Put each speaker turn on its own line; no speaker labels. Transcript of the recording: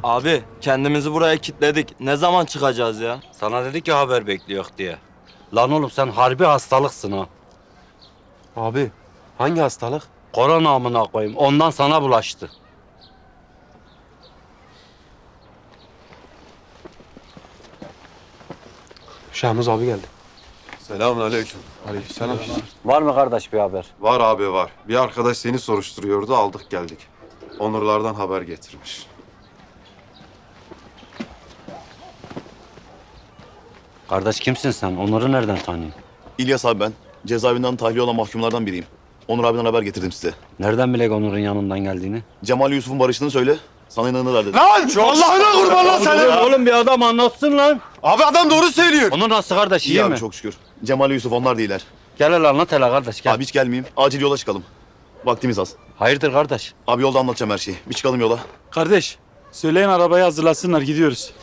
Abi kendimizi buraya kilitledik. Ne zaman çıkacağız ya?
Sana dedi ki haber bekliyor diye. Lan oğlum sen harbi hastalıksın ha.
Abi hangi hastalık?
Korona amına koyayım. Ondan sana bulaştı.
Şahmuz abi geldi.
Selamünaleyküm.
Aleykümselam.
Var mı kardeş bir haber?
Var abi var. Bir arkadaş seni soruşturuyordu, aldık geldik. Onurlardan haber getirmiş.
Kardeş kimsin sen? Onur'u nereden tanıyorsun?
İlyas abi ben. Cezaevinden tahliye olan mahkumlardan biriyim. Onur abiden haber getirdim size.
Nereden bilek Onur'un yanından geldiğini?
Cemal Yusuf'un barıştığını söyle. Sana inanırlar dedi.
Lan! Allah'ına kurban lan seni!
Oğlum bir adam anlatsın lan.
Abi adam doğru söylüyor.
Onur nasıl kardeş iyi
İyi abi
mi?
çok şükür. Cemal Yusuf onlar değiller.
Gel hele anlat hele kardeş gel.
Abi hiç gelmeyeyim. Acil yola çıkalım. Vaktimiz az.
Hayırdır kardeş?
Abi yolda anlatacağım her şeyi. Bir çıkalım yola.
Kardeş, söyleyin arabayı hazırlasınlar, gidiyoruz.